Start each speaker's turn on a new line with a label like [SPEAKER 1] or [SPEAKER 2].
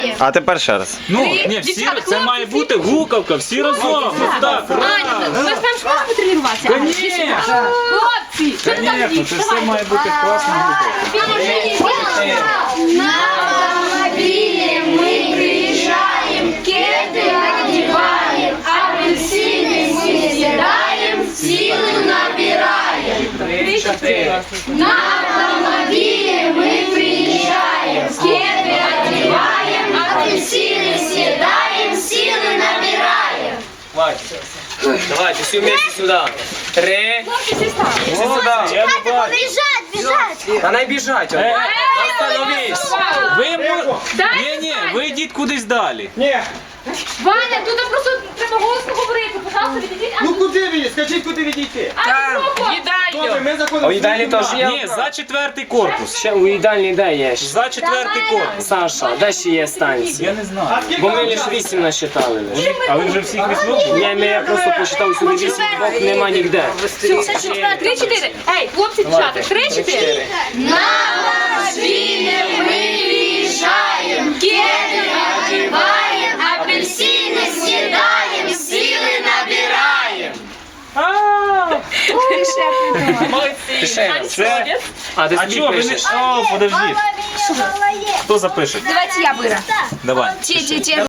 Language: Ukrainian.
[SPEAKER 1] А тепер ще раз.
[SPEAKER 2] Ну, ні, всі, це має бути гукавка, всі разом. Ось так,
[SPEAKER 3] Аня, ми ж там школу потренуватися.
[SPEAKER 2] Конечно.
[SPEAKER 3] Хлопці, що ти там
[SPEAKER 2] Конечно,
[SPEAKER 3] їш?
[SPEAKER 2] це все має бути класна гукавка.
[SPEAKER 4] На автомобиле мы приезжаем, кеды одеваем, апельсины мы съедаем, силы набираем. На автомобиле мы приезжаем, кеды одеваем, апельсины съедаем, силы набираем.
[SPEAKER 5] Давайте, все вместе сюда. 3. Все сюда.
[SPEAKER 2] Я не бачу.
[SPEAKER 4] Бежать!
[SPEAKER 5] Она бежать. Остановись.
[SPEAKER 2] Ні, ви йдіть кудись далі.
[SPEAKER 3] Ваня, тут просто треба голосно говорити. Пожалуйста, відійдіть.
[SPEAKER 6] Ну куди ви? Скажіть, куди ви йдете? Добре, ми заходимо.
[SPEAKER 5] У їдальні теж є?
[SPEAKER 2] Ні, за 4-й корпус.
[SPEAKER 5] Ще у їдальні де є?
[SPEAKER 2] За 4-й корпус.
[SPEAKER 5] Саша, де ще є станція?
[SPEAKER 2] Я не знаю.
[SPEAKER 5] Бо ми лише 8 насчитали.
[SPEAKER 2] А ви вже всіх візьмете?
[SPEAKER 5] Ні, я просто посчитав сюди 8, двох нема ніде.
[SPEAKER 3] 3-4. Ей, хлопці, дівчата, 3-4.
[SPEAKER 4] На автомобиле мы приезжаем, кеды одеваем, апельсины съедаем, силы набираем.
[SPEAKER 2] Це...
[SPEAKER 5] А ти
[SPEAKER 2] А
[SPEAKER 5] собі
[SPEAKER 2] чого ви не...
[SPEAKER 5] пишеш?
[SPEAKER 2] О, подождіть. Хто запише?
[SPEAKER 3] Давайте я вира.
[SPEAKER 2] Давай.
[SPEAKER 3] Ті.